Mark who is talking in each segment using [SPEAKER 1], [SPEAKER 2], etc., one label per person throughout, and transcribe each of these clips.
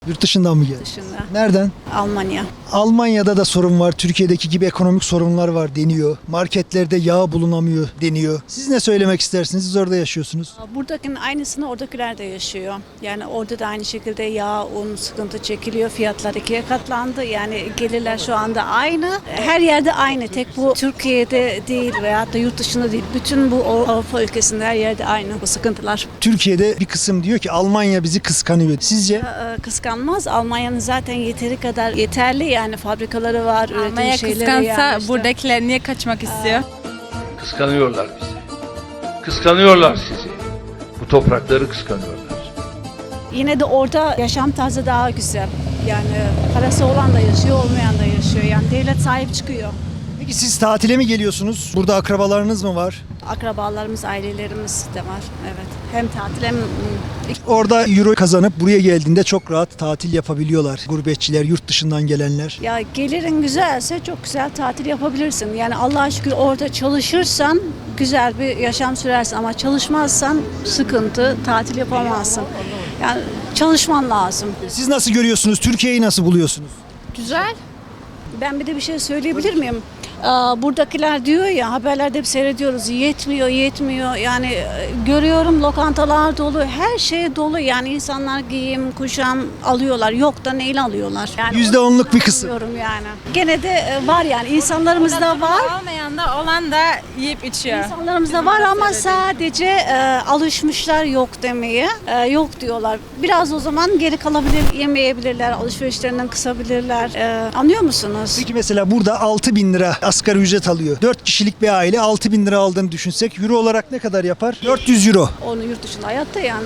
[SPEAKER 1] Yurt dışından mı geldin?
[SPEAKER 2] Dışında.
[SPEAKER 1] Nereden?
[SPEAKER 2] Almanya.
[SPEAKER 1] Almanya'da da sorun var. Türkiye'deki gibi ekonomik sorunlar var deniyor. Marketlerde yağ bulunamıyor deniyor. Siz ne söylemek istersiniz? Siz orada yaşıyorsunuz.
[SPEAKER 2] Buradakinin aynısını oradakiler de yaşıyor. Yani orada da aynı şekilde yağ, un sıkıntı çekiliyor. Fiyatlar ikiye katlandı. Yani gelirler şu anda aynı. Her yerde aynı. Tek bu Türkiye'de değil veyahut da yurt dışında değil. Bütün bu Avrupa ülkesinde her yerde aynı bu sıkıntılar.
[SPEAKER 1] Türkiye'de bir kısım diyor ki Almanya bizi kıskanıyor. Sizce?
[SPEAKER 2] Kıskanmaz. Almanya'nın zaten yeteri kadar yeterli yani fabrikaları var, üretim
[SPEAKER 3] Almanya
[SPEAKER 2] şeyleri
[SPEAKER 3] kıskansa
[SPEAKER 2] yani işte.
[SPEAKER 3] buradakiler niye kaçmak istiyor?
[SPEAKER 4] Kıskanıyorlar bizi. Kıskanıyorlar sizi. Bu toprakları kıskanıyorlar.
[SPEAKER 2] Yine de orada yaşam tarzı daha güzel. Yani parası olan da yaşıyor, olmayan da yaşıyor. Yani devlet sahip çıkıyor.
[SPEAKER 1] Peki siz tatile mi geliyorsunuz? Burada akrabalarınız mı var?
[SPEAKER 2] Akrabalarımız, ailelerimiz de var. Evet. Hem tatil hem
[SPEAKER 1] Orada euro kazanıp buraya geldiğinde çok rahat tatil yapabiliyorlar. Gurbetçiler, yurt dışından gelenler.
[SPEAKER 2] ya gelirin güzelse çok güzel tatil yapabilirsin. Yani Allah'a şükür orada çalışırsan güzel bir yaşam sürersin ama çalışmazsan sıkıntı, tatil yapamazsın. Yani çalışman lazım.
[SPEAKER 1] Siz nasıl görüyorsunuz? Türkiye'yi nasıl buluyorsunuz?
[SPEAKER 3] Güzel.
[SPEAKER 2] Ben bir de bir şey söyleyebilir miyim? Buradakiler diyor ya, haberlerde hep seyrediyoruz, yetmiyor. Yani görüyorum lokantalar dolu, her şey dolu. Yani insanlar giyim, kuşam alıyorlar. Yok da neyle alıyorlar? Yani
[SPEAKER 1] %10'luk bir kısım.
[SPEAKER 2] diyorum yani. Gene de var yani insanlarımızda var.
[SPEAKER 3] Olmayan da olan da yiyip içiyor.
[SPEAKER 2] İnsanlarımızda var ama sadece alışmışlar yok demeye. Yok diyorlar. Biraz o zaman geri kalabilir, yemeyebilirler, alışverişlerinden kısabilirler. Anlıyor musunuz?
[SPEAKER 1] Peki mesela burada 6.000 lira asgari ücret alıyor. 4 kişilik bir aile 6.000 lira aldığını düşünsek euro olarak ne kadar yapar? 400 euro.
[SPEAKER 2] Onu yurt dışında hayatta yani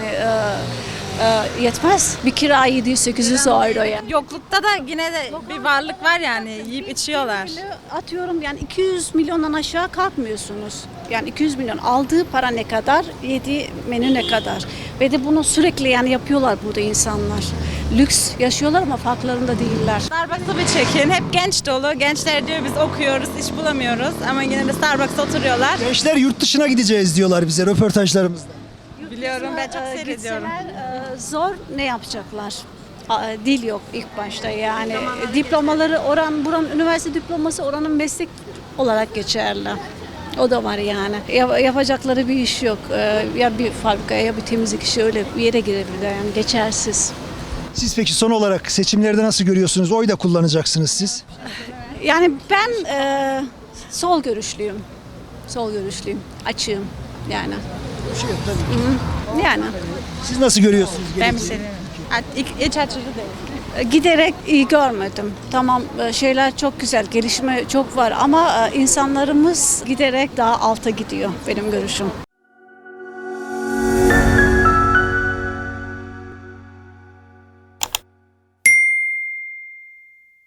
[SPEAKER 2] yetmez. Bir kira 700-800 euro yani.
[SPEAKER 3] Yoklukta da yine de bir varlık var yani yiyip içiyorlar.
[SPEAKER 2] Atıyorum yani 200 milyondan aşağı kalkmıyorsunuz. Yani 200 milyon aldığı para ne kadar, yediği menü ne kadar. Ve de bunu sürekli yani yapıyorlar burada insanlar. Lüks yaşıyorlar ama farklarında değiller.
[SPEAKER 3] Starbucks'ı bir çekin. Hep genç dolu. Gençler diyor biz okuyoruz, iş bulamıyoruz. Ama yine de Starbucks'ta oturuyorlar.
[SPEAKER 1] Gençler yurt dışına gideceğiz diyorlar bize röportajlarımızda.
[SPEAKER 3] Biliyorum, ben çok seyrediyorum.
[SPEAKER 2] Gitseler, zor ne yapacaklar? Dil yok ilk başta yani. Diplomaları buranın üniversite diploması oranın meslek olarak geçerli. O da var yani. Yapacakları bir iş yok. Ya bir fabrikaya ya bir temizlik işi öyle bir yere girebilirler yani geçersiz.
[SPEAKER 1] Siz peki son olarak seçimlerde nasıl görüyorsunuz? Oy da kullanacaksınız siz.
[SPEAKER 2] Yani ben sol görüşlüyüm. Sol görüşlüyüm. Açığım yani. Yani.
[SPEAKER 1] Siz nasıl görüyorsunuz?
[SPEAKER 3] Ben
[SPEAKER 1] geleceği?
[SPEAKER 3] seviyorum. İç açıcı değil.
[SPEAKER 2] Giderek iyi görmedim. Tamam şeyler çok güzel, gelişme çok var ama insanlarımız giderek daha alta gidiyor benim görüşüm.